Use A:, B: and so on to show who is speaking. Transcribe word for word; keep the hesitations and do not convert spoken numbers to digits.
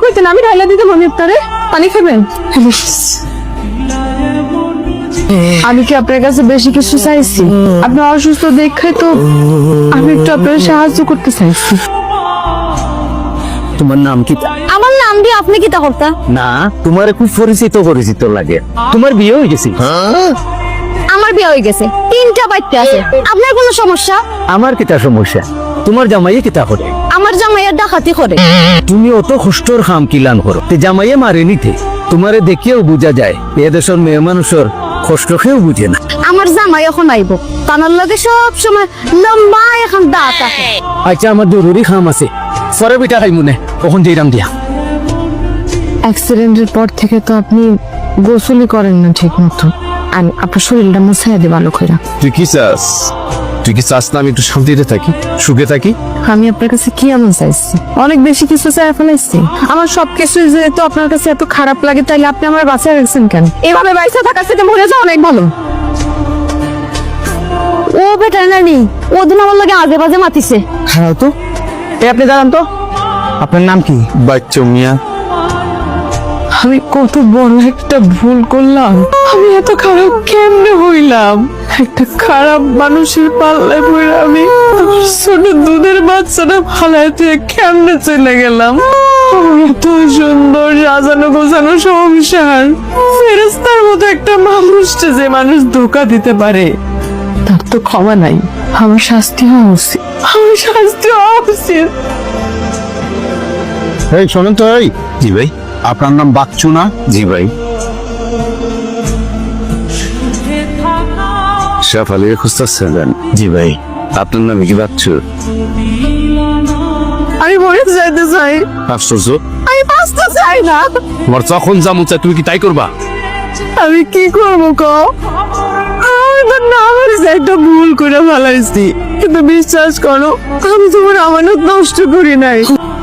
A: কইতেন আমি ঢাইলা দিতাম আমি আপনারে। পানি খাবেন? আমি কি আপনার কাছে বেশি কিছু চাইছি? আপনি অসুস্থ দেখে তো আমি একটু আপনার সাহায্য করতে চাইছি।
B: তোমার নাম কি?
C: আমার নাম দিয়ে আপনি কি তা করতা?
B: না, তোমার খুব পরিচিত পরিচিত লাগে। তোমার বিয়ে হয়ে গেছে?
C: আমার বিয়ে হয়ে গেছে, তিনটা বাচ্চা আছে। আপনার কোনো সমস্যা?
B: আমার কিতা সমস্যা? তোমার জামাইয়ে কিতা করে?
C: আমার জামাইয়ের ডাকাতি করে।
B: তুমি অত কষ্টর খাম কিলান করো, তে জামাইয়ে মারে নিতে। তোমারে দেখিয়েও বোঝা যায় এ দেশের মেয়ে মানুষের কষ্ট খেয়েও বুঝে না।
C: আমার জামাই এখন আইব, তানার লগে সব সময় লম্বা এখন দাঁত আছে।
B: আচ্ছা, আমার জরুরি খাম আছে, পরে বিটা খাই মনে কখন যেরাম দিয়া।
A: অ্যাক্সিডেন্টের পর থেকে তো আপনি গোসলই করেন না ঠিক মতো, আর আপনার শরীরটা মুছাইয়া দিয়ে ভালো করে।
D: তুই কি চাস? তুই কি চাস না আমি একটু শান্তিতে থাকি, সুখে থাকি?
A: আমি আপনার কাছে কি এমন চাইছি? অনেক বেশি কিছু চাই ফেলাইছি। আমার সবকিছু যেহেতু আপনার কাছে এত খারাপ লাগে, তাইলে আপনি আমার বাঁচায় রাখছেন কেন? এভাবে বাইসা থাকার সাথে মরে যাওয়া অনেক ভালো।
C: ও ভেটেরিনারি, ও দিন আমার লগে আজে বাজে মাতিছে।
B: হ্যাঁ তো, এ আপনি জানান তো আপনার নাম কি?
D: বাচ্চা মিয়া,
A: আমি কত বড় একটা ভুল করলাম। আমি এত খারাপ কেমনে হইলাম? একটা খারাপ মানুষের পাল্লায় পড়ে আমি আমার ছোট দুধের বাচ্চাটা ফালায় থেকে কেমনে চলে গেলাম। আমার এত সুন্দর সাজানো গোছানো সংসার, ফেরেস্তার মতো একটা মানুষকে যে মানুষ ধোকা দিতে পারে, তার তো ক্ষমা নাই। আমার শাস্তি হওয়া উচিত, আমার শাস্তি হওয়া উচিত।
D: এই শোনেন তো। এই
E: জি ভাই।
D: আপনার নাম বাচ্চু না?
E: জি ভাই।
D: শেফালিকে খুঁজতেছেন?
E: জি ভাই। আপনার নাম কি বাচ্চু?
A: আমি মরে যাইতে চাই,
D: আশ্চর্য,
A: আমি বাঁচতে চাই না।
D: তোমার যখন যা মন চায় তুমি কি তাই করবা?
A: আমি কি করবো কও? আমি তো না পারিস একটা ভুল করে ফেলাইছি, কিন্তু বিশ্বাস করো আমি তোমার আমানত নষ্ট করি নাই।